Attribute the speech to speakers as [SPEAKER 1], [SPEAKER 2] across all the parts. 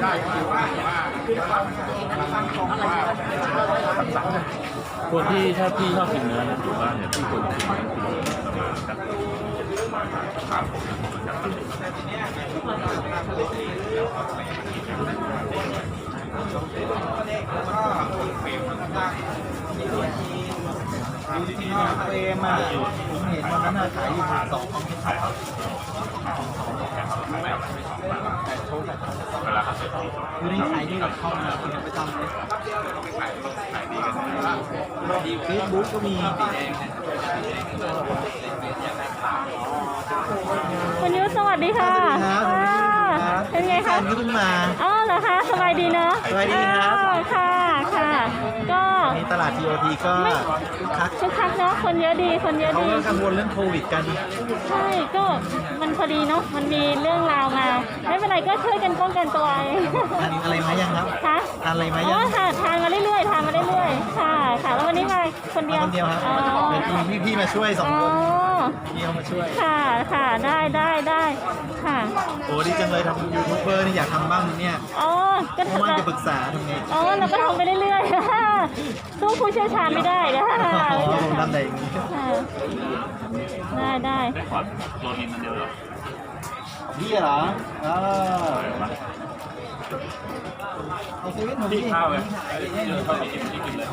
[SPEAKER 1] คนที่ถ้าพี่ชอบกินเนื้อนะอยู่บ้านเนี่ยพี่ควรกินเนื้อกิโลประมาณสัก
[SPEAKER 2] เฟรมอ่ะผมเห็นวันนั้นขายอยู่2 ของที่ขายอยู่ในขายดีกับเขามาคุณไปทำเลยเฟซบุ๊กก็มี
[SPEAKER 3] คุณยุทธสวัสดีค่ะเป็นไงคะ
[SPEAKER 2] นี่เพิ่งมา
[SPEAKER 3] อ๋อเหรอคะสบายดีเนาะ
[SPEAKER 2] สบายดีครับ
[SPEAKER 3] ค่ะค่ะก็
[SPEAKER 2] มีตลาด TOT ก็
[SPEAKER 3] คึกคักเนาะคนเยอะดีคนเยอะดี
[SPEAKER 2] เขาก็กังวลเรื่องโควิดกัน
[SPEAKER 3] ใช่ก็มันพอดีเนาะมันมีเรื่องราวมาไม่เป็นไรก็ช่วยกันป้องกันตัว
[SPEAKER 2] ทานอะไรมายังครับ
[SPEAKER 3] คะ
[SPEAKER 2] ทานอะไรมายัง
[SPEAKER 3] อ๋อทานมาเรื่อยๆค่ะค่ะแล้ววันนี้มาคนเดียว
[SPEAKER 2] ครับเป็นพี่มาช่วย2 คนพี่เขามาช่วย
[SPEAKER 3] ค่ะได้ค่ะ
[SPEAKER 2] โอ้ดีจังเลยทำยูทูบเบอร์นี่อยากทำบ้างเนี่ย
[SPEAKER 3] ก็
[SPEAKER 2] ว่าจะปรึกษาทำไง
[SPEAKER 3] เราก็ทำไปเรื่อยๆสู้ผู้เชี่ยวชาญไม่ได้นะ
[SPEAKER 2] ผมทำได้อย่างนี้
[SPEAKER 3] ได้
[SPEAKER 1] ขอโรนินมันเดียวหรอ
[SPEAKER 2] พี่เหรอเอาเซเว่นผมดิ
[SPEAKER 1] ข้าวเลยข้าวกินที่กินเลย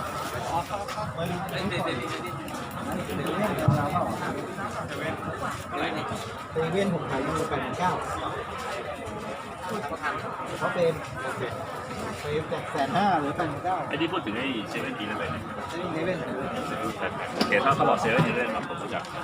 [SPEAKER 2] เซเว่นผมขายอยู่89เขาเป็นจาก150,000หรือ89,000
[SPEAKER 1] ไอ้ที่พูดถึงไอ้เซเว่นทีแล้วไปเนี่ย
[SPEAKER 2] เซเว่น
[SPEAKER 1] โอเคถ้าเขาบอกเซเว่นทีแล้วผมรู้จัก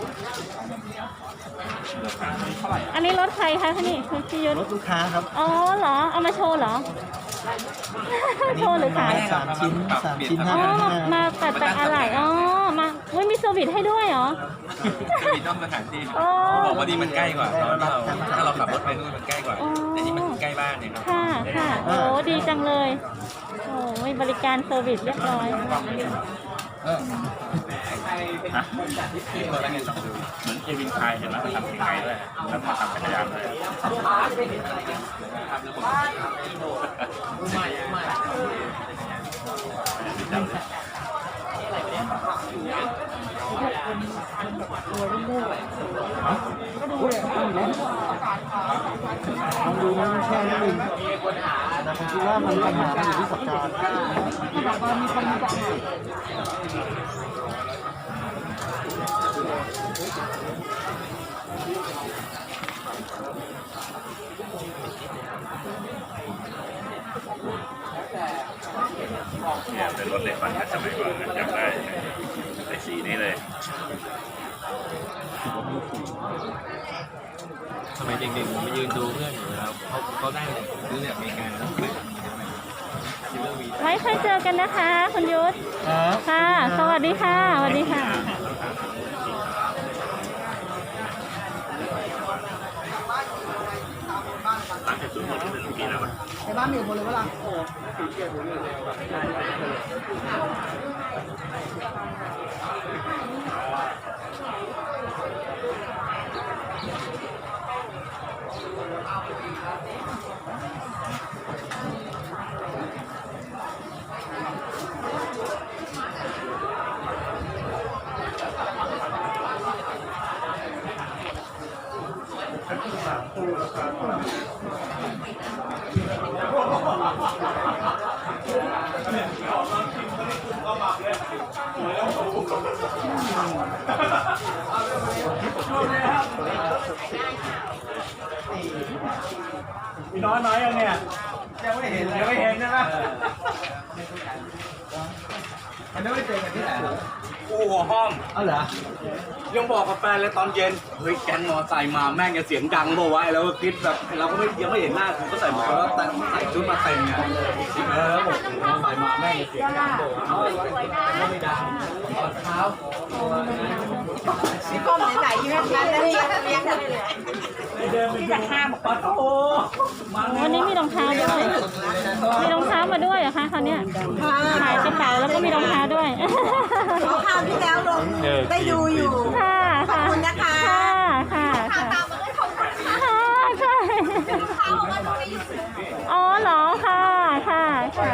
[SPEAKER 3] อันนี้รถใครคะนี่คือพี่ยุทธ
[SPEAKER 2] รถลูกค้าครับ
[SPEAKER 3] อ๋อเหรอเอามาโชว์เหรอโชว์หรือขาย
[SPEAKER 2] 3 ชิ้น
[SPEAKER 3] มาตัดจากอะไรมามีเซอร์วิสให้ด้วยเหรอ
[SPEAKER 4] เซอร์วิสนอกสถานที่บอกว่าดีมันใกล้กว่าตอนถ้าเราขับรถไปนู่นมันใกล้กว่าแต่นี่มันใกล้บ้านเนี่ย
[SPEAKER 3] ค่ะโอ้ดีจังเลยโอ้มีบริการเซอร์วิสเรียบร้อย
[SPEAKER 1] เหมือนเควินไทยเห็นไหมมันทำยังไงด้วยแล้วมาทำจักรยานเลย
[SPEAKER 2] ดูมันแค่นี้เองผมคิดว่ามันปัญหาอยู่ที่สัปดาห์
[SPEAKER 1] เนี่ยเป็นรถเล็กปั่นสมัยก่อนจำได้ไอ้สีนี้เลย
[SPEAKER 4] ทำไมเด็กๆมายืนดูเพื่อนอยู่แล้วเขาได้เลยซื้อจากอเมริกาแล้ว
[SPEAKER 3] ไว้ค่อยเจอกันนะคะคุณยุทธค่ะสวัสดีค่ะสวัสดีค่ะ
[SPEAKER 1] ร้านจุดหมดเป็นปีแล้ว
[SPEAKER 2] ในบ้านมีหมดเลยเวลา
[SPEAKER 5] มีน้อยยังเนี่ยยังไม่เห็นใช่ไหม
[SPEAKER 2] มันไม่เจอกันที่ไหน
[SPEAKER 5] กูหัวห้อง
[SPEAKER 2] เหรอ
[SPEAKER 5] ยังบอกกับแฟนเลยตอนเย็นเฮ้ยแกงมอไซค์มาแม่งจะเสียงดังบอกว่าแล้วก็คิดแบบเราก็ยังไม่เห็นหน้าคือก็ใส่หมวกแล้วแต่ใส่ชุดมาเต็มเนี่ยแล้วบอกมอไซค์มาแม่งจะเสียงดังบอกไม่ดังตอนเช้า
[SPEAKER 6] พี่ก้มไหนๆอยู่ในร้านแล้วเนี่ยเลี้ยงกันเลยที่จะห้ามบอก
[SPEAKER 5] โอ้
[SPEAKER 3] วันนี้มีรองเท้าด้วยมีรองเท้ามาด้วยเหรอคะเขาเนี่ยขายกระเป๋าแล้วก็มีรองเท้าด้วย
[SPEAKER 6] คราวที่แล้วลงได้ดูอยู่
[SPEAKER 3] ค่ะ
[SPEAKER 6] ขอบคุณนะคะ
[SPEAKER 3] ค่ะ
[SPEAKER 6] ตามมาด้วยขอบคุณค่ะ
[SPEAKER 3] ใช่อ๋อเหรอค่ะค่ะค่ะ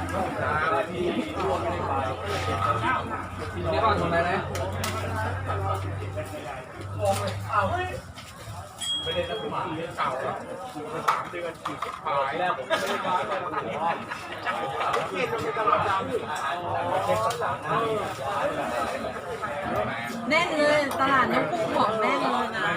[SPEAKER 5] นี่ก่อนตรงไหนนะ
[SPEAKER 6] แน่นเลยตลาดน้ำกุ้งของแน่นเลยนะ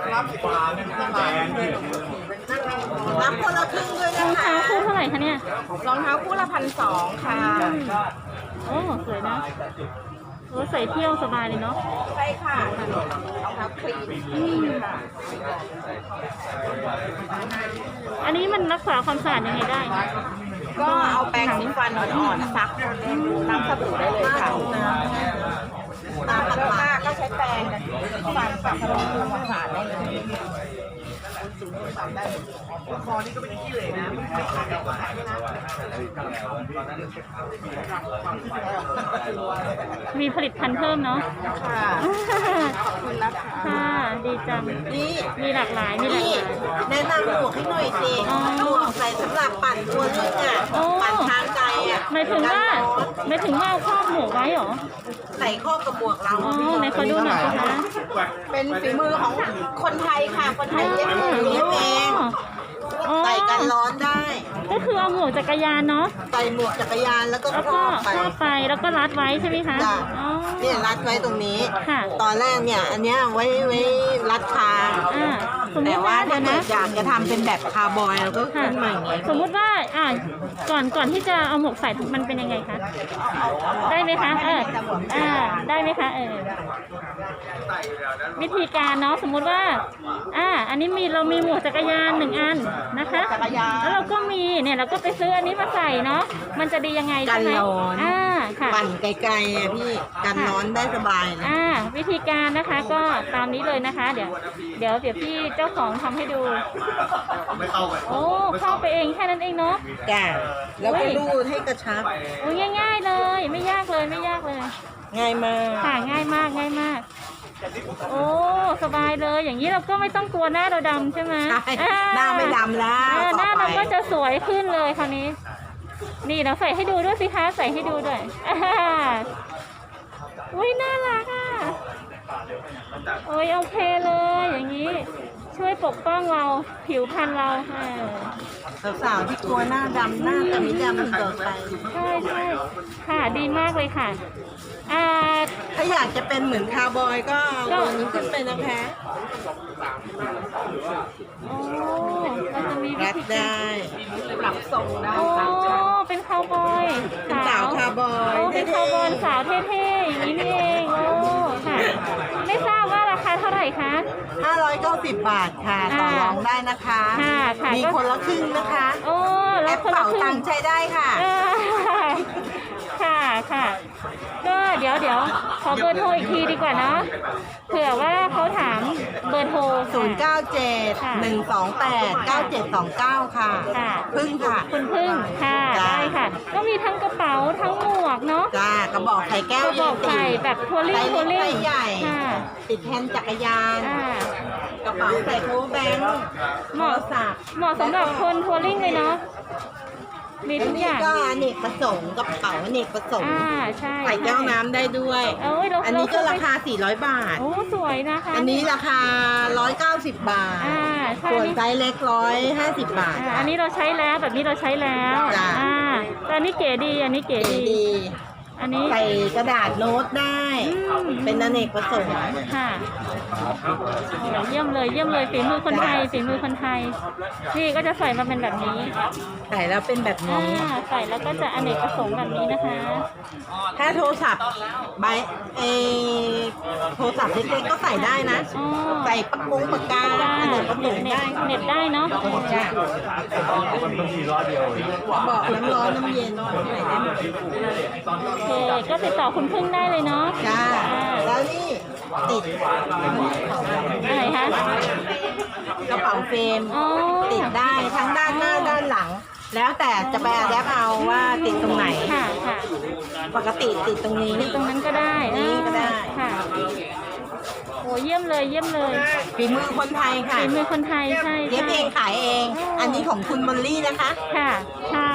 [SPEAKER 6] รับคนละครึ่งด้วย
[SPEAKER 3] ร
[SPEAKER 6] นะ
[SPEAKER 3] อง
[SPEAKER 6] คะ
[SPEAKER 3] เท้าคู่เท่าไหร่คะเนี่ย
[SPEAKER 6] รองเท้าคู่ละ1,200ค่ะ
[SPEAKER 3] โอ้สวยนะโอ้ใส่เที่ยวสบายเลยเนาะ
[SPEAKER 6] ใช่ค่ะรองเท้าครีมค่ะ
[SPEAKER 3] อันนี้มันรักษาความสะอาดยังไงได้คะ
[SPEAKER 6] ก็เอาแปรงสีฟันอ่อนๆซักน้ำสบู่ได้เลยค่ะน้ำมันมากก็ใช้แปรงฟันกับสบู่ทำความสะอาดได้เลย
[SPEAKER 3] มีผลิตภัณฑ์เพิ่มเนาะ
[SPEAKER 6] ค่ะขอบคุณนะคะ
[SPEAKER 3] ค่ะดีจัง
[SPEAKER 6] นี่
[SPEAKER 3] มีหลากหลายมีหลาก
[SPEAKER 6] นี่
[SPEAKER 3] หลาย
[SPEAKER 6] แนะนำหมวกให้หน่อยสิ
[SPEAKER 3] อ๋อ
[SPEAKER 6] หมวกใส่สำหรับปั่นตัวลึกอ่ะ
[SPEAKER 3] โอ้
[SPEAKER 6] ปั่นทางไกลอ่ะ
[SPEAKER 3] หมายถึงว่าเอาครอบหมวกไว้เหรอ
[SPEAKER 6] ใส่ข้อกับหมวกเรา
[SPEAKER 3] อ๋อไหนขอดูหน่อยสิคะ
[SPEAKER 6] เป็นฝีมือของคนไทยค่ะ คนไทยเย็บเอง
[SPEAKER 3] อ๋อ
[SPEAKER 6] ใส่กันร้อนได้
[SPEAKER 3] ก็คือเอาหมวกจักรยานเนาะ
[SPEAKER 6] ใส่หมวกจักรยานแล้วก็
[SPEAKER 3] แล้ว
[SPEAKER 6] คร
[SPEAKER 3] ก็
[SPEAKER 6] อบไป
[SPEAKER 3] ครอบไปแล้วก็รัดไว้ใช่ไหมคะ
[SPEAKER 6] จ้ะ
[SPEAKER 3] อ๋อ
[SPEAKER 6] เนี่ยรัดไว้ตรงนี้
[SPEAKER 3] ค่ะ
[SPEAKER 6] ตอนแรกเนี่ยอันเนี้ยไว้รัดคาง
[SPEAKER 3] สมม
[SPEAKER 6] แต่
[SPEAKER 3] ติ
[SPEAKER 6] ว่า
[SPEAKER 3] ว่าเดี๋
[SPEAKER 6] ถ้า
[SPEAKER 3] ยว
[SPEAKER 6] เกิ
[SPEAKER 3] นะ
[SPEAKER 6] ดอยากจะทำเป็นแบบคาร์บอยเราก็
[SPEAKER 3] ค่ะ
[SPEAKER 6] ขึ้นมาอย่างนี้
[SPEAKER 3] สมมุติว่าก่อนที่จะเอาหมวกใส่มันเป็นยังไงคะได้ไหมคะได้ไหมคะวิธีการเนาะสมมุติว่าอันนี้เรามีหมวกจักรยาน1 อันนะคะ
[SPEAKER 6] จักรยาน
[SPEAKER 3] แล้วเราก็มีเนี่ยเราก็ไปซื้ออันนี้มาใส่เนาะมันจะดียังไง
[SPEAKER 6] กั
[SPEAKER 3] ใช่
[SPEAKER 6] น
[SPEAKER 3] ไหม
[SPEAKER 6] ร้อน
[SPEAKER 3] ค่ะ
[SPEAKER 6] ปั่นไกลๆอ่ะพี่กันร้อนได้สบายนะ
[SPEAKER 3] วิธีการนะคะก็ตามนี้เลยนะคะ เดี๋ยวพี่เจ้าของทำให้ดูโอ้เข้าไปเองแค่นั้นเองเนาะ
[SPEAKER 6] จ้ะแล้วก็รูดให้กระชับ
[SPEAKER 3] โอ้ง่ายๆเลยไม่ยากเลยไม่ยากเลย
[SPEAKER 6] ง่ายมาก
[SPEAKER 3] ค่ะง่ายมากง่ายมาก โอ้สบายเลยอย่างนี้เราก็ไม่ต้องกลัวหน้าเราดำใช่ไหม
[SPEAKER 6] ใช่หน้าไม่ดำแล้ว
[SPEAKER 3] หน้า
[SPEAKER 6] ต่อ
[SPEAKER 3] เรา
[SPEAKER 6] ไป
[SPEAKER 3] ก็จะสวยขึ้นเลยคราวนี้ นี่เราใส่ให้ดูด้วยสิคะใส่ให้ดูด้วยอุ้ยน่ารักอ่ะโอ้ยโอเคเลยอย่างนี้ช่วยปกป้องเราผิวพรรณเรา
[SPEAKER 6] สาวๆที่กลัวหน้าดำหน้าแต่ไม่ดำมันเกิดไป
[SPEAKER 3] ใช่ใช่ค่ะดีมากเลยค่ะ
[SPEAKER 6] ถ้าอยากจะเป็นเหมือนคาร์บอยก็เอาตัวนี้ขึ้นไปนะคะ
[SPEAKER 3] โอ้มันจะมีวิ
[SPEAKER 6] รัด
[SPEAKER 3] ธี
[SPEAKER 6] ได้ ปรับทรงได้
[SPEAKER 3] โอ้เป็นคาวบอย
[SPEAKER 6] เป็นสาวคาร์บอย
[SPEAKER 3] โอ้เป็นคาวบอยสาวเท่ๆอย่างนี้นี่เองโอ้ค่ะไม่ทราบว่าราคาเท่าไหร่คะ
[SPEAKER 6] 590 บาทค่ะต่อรองได้นะคะ
[SPEAKER 3] ค่ะ
[SPEAKER 6] มีคนละครึ่งนะคะ
[SPEAKER 3] โอ้
[SPEAKER 6] แอ
[SPEAKER 3] แล้ว
[SPEAKER 6] ป
[SPEAKER 3] คนละ
[SPEAKER 6] เป๋า
[SPEAKER 3] ครึ่
[SPEAKER 6] ตั
[SPEAKER 3] ง
[SPEAKER 6] งค์ใช้ได้ค่ะ
[SPEAKER 3] ค่ะก็เดี๋ยวขอเบอร์โทรอีกทีดีกว่าเนาะเผื่อว่าเขาถามเบอร์โทร
[SPEAKER 6] 097-128-9729 ค่ะ
[SPEAKER 3] ค่ะ
[SPEAKER 6] พึ่งค่ะ
[SPEAKER 3] คุณพึ่งค่ะ
[SPEAKER 6] จ้า
[SPEAKER 3] ได้ค่ะ ก็มีทั้งกระเป๋าทั้งหมวกเนาะ
[SPEAKER 6] จ้ากระบอกไข่แก้ว
[SPEAKER 3] กระบอกไข่แบบทัวริ่ง
[SPEAKER 6] ไซส์
[SPEAKER 3] ทัว
[SPEAKER 6] เล็ก
[SPEAKER 3] ริ่ง
[SPEAKER 6] ไซส์ใหญ่
[SPEAKER 3] ค่ะ
[SPEAKER 6] ติดแฮนด์จักรยาน กระเป๋าใส่โค้แบงค์
[SPEAKER 3] เหมาะ
[SPEAKER 6] ศัพท์
[SPEAKER 3] เหมาะสำหรับคนทัวริ่งเลยเนาะมี
[SPEAKER 6] อั
[SPEAKER 3] ทุ
[SPEAKER 6] น
[SPEAKER 3] กอ
[SPEAKER 6] นี้
[SPEAKER 3] ย่าง
[SPEAKER 6] ก็อเนกประสงค์กระเป๋าอเนกประสงค์
[SPEAKER 3] ใช่
[SPEAKER 6] ใส่แก้วน้ำได้ด้วย
[SPEAKER 3] เอ้ยเรา
[SPEAKER 6] อันนี้ก็ราคา 400 บาท
[SPEAKER 3] โอ้สวยนะคะ
[SPEAKER 6] อันนี้ราคา 190 บาท
[SPEAKER 3] ใช่
[SPEAKER 6] ส่วน
[SPEAKER 3] นี่
[SPEAKER 6] ไซส์เล็ก150 บาท
[SPEAKER 3] อันนี้เราใช้แล้วแบบนี้เราใช้แล้ว
[SPEAKER 6] จ้ะ
[SPEAKER 3] แต่อันนี้เก๋ดีอันนี้เก๋
[SPEAKER 6] เก๋
[SPEAKER 3] ดี
[SPEAKER 6] ดี
[SPEAKER 3] อันนี้
[SPEAKER 6] ใส่กระดาษโน้ตได้ เป็นอเนกประสงค์
[SPEAKER 3] ค่ะโอ้เยี่ยมเลยฝีมือคนไทยฝีมือคนไทยนี่ก็จะใส่มาเป็นแบบนี้
[SPEAKER 6] ใส่แล้วเป็นแบบนี้
[SPEAKER 3] ใส่แล้วก็จะอเนกประสงค์แบบนี้นะคะ
[SPEAKER 6] ถ้าโทรศัพท์โทรศัพท์เล็กๆก็ใส่ได้นะ
[SPEAKER 3] อ๋อ
[SPEAKER 6] ใส่ปากกงปากกา
[SPEAKER 3] ได้
[SPEAKER 6] อเนกประสงค์ได้
[SPEAKER 3] เน็ตได้เนาะ
[SPEAKER 6] จ้ะบอกน้ำร้อนน้ำเย็นใส่ได้หมด
[SPEAKER 3] โอเคก็ติดต่อคุณพึ่งได้เลยเนาะ
[SPEAKER 6] จ้าแล้วนี่ติด
[SPEAKER 3] อะไรคะ
[SPEAKER 6] กระเป๋าเฟรม
[SPEAKER 3] อ๋อ
[SPEAKER 6] ติดได้ทั้งด้านหน้าด้านหลัง แล้วแต่จะไปอะแดปเอาว่าติดตรงไหน
[SPEAKER 3] ค่ะ
[SPEAKER 6] ปกติติดตรงนี้
[SPEAKER 3] ตรงนั้นก็ได้
[SPEAKER 6] นี้ก็ได้
[SPEAKER 3] ค่ะโอ้เยี่ยมเลยเยี่ยมเลย
[SPEAKER 6] ฝีมือคนไทยค่ะ
[SPEAKER 3] ฝีมือคนไทยใช่
[SPEAKER 6] เย็บเองขายเอง อันนี้ของคุณมอลลี่นะคะ
[SPEAKER 3] ค่ะใช่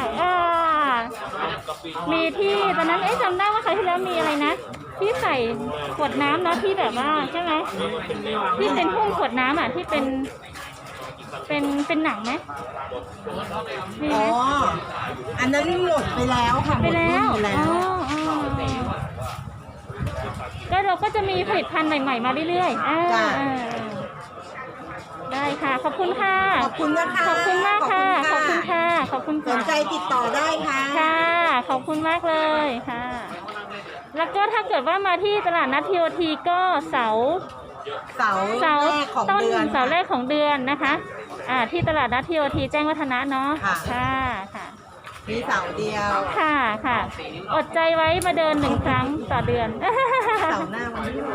[SPEAKER 3] มีที่ตอนนั้นจำได้ว่าคราวที่แล้วมีอะไรนะที่ใส่ขวดน้ำเนาะที่แบบว่าใช่ไหมที่เป็นหุ้มขวดน้ำอ่ะที่เป็นหนังไหมมี
[SPEAKER 6] อ๋
[SPEAKER 3] ไห
[SPEAKER 6] อ
[SPEAKER 3] ม
[SPEAKER 6] อันนั้นหมดไปแล้วค่ะห
[SPEAKER 3] ไป
[SPEAKER 6] มด
[SPEAKER 3] แล้ว
[SPEAKER 6] รุ่นไปแล้ว
[SPEAKER 3] ก็เราก็จะมีผลิตภัณฑ์ใหม่ๆมาเรื่อยๆ
[SPEAKER 6] จ้ะ
[SPEAKER 3] ได้ค่ะ ขอบคุณค่ะ
[SPEAKER 6] ขอบคุณนะคะ
[SPEAKER 3] ขอบคุณมากค่ะ ข
[SPEAKER 6] ข
[SPEAKER 3] อ
[SPEAKER 6] อ
[SPEAKER 3] บบ
[SPEAKER 6] คุ
[SPEAKER 3] คุณ
[SPEAKER 6] ณ
[SPEAKER 3] ค่ะ
[SPEAKER 6] ค่ะ
[SPEAKER 3] ขอบคุณ
[SPEAKER 6] สนใจติดต่อได้ค่ะ
[SPEAKER 3] ค่ะ ขอบคุณมากเลยค่ะ แล้วก็ถ้าเกิดว่ามาที่ตลาดนัดทีโอทีก็เสาร์
[SPEAKER 6] เสาร์แรกของ
[SPEAKER 3] ต้น
[SPEAKER 6] เดือน
[SPEAKER 3] เสาร์แรกของเดือนนะคะ ที่ตลาดนัดทีโอทีแจ้งวัฒนะเนาะ
[SPEAKER 6] ค่ะ
[SPEAKER 3] ค่ะ
[SPEAKER 6] มีเสาร์เดียว
[SPEAKER 3] ค่ะค่ะ อดใจไว้มาเดิน1 ครั้งต่อเดือน
[SPEAKER 6] เสาร์หน้าวันที่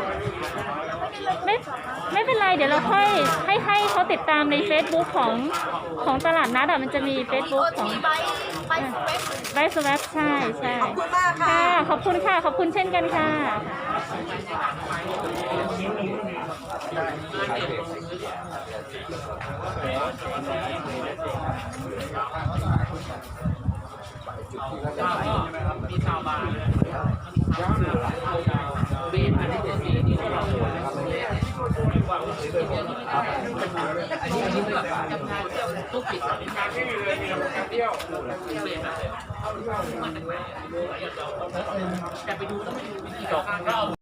[SPEAKER 3] ไม่เป็นไรเดี๋ยวเราค่อยให้เขาติดตามใน Facebook ของตลาดนัดมันจะมี Facebook ของไบสเวบใช่ใช่
[SPEAKER 6] ขอบคุณมากค่ะ
[SPEAKER 3] ขอบคุณค่ะ ขอบคุณเช่นกันค่ะ
[SPEAKER 2] แต่ไปดูต้องไปดูวิธีการ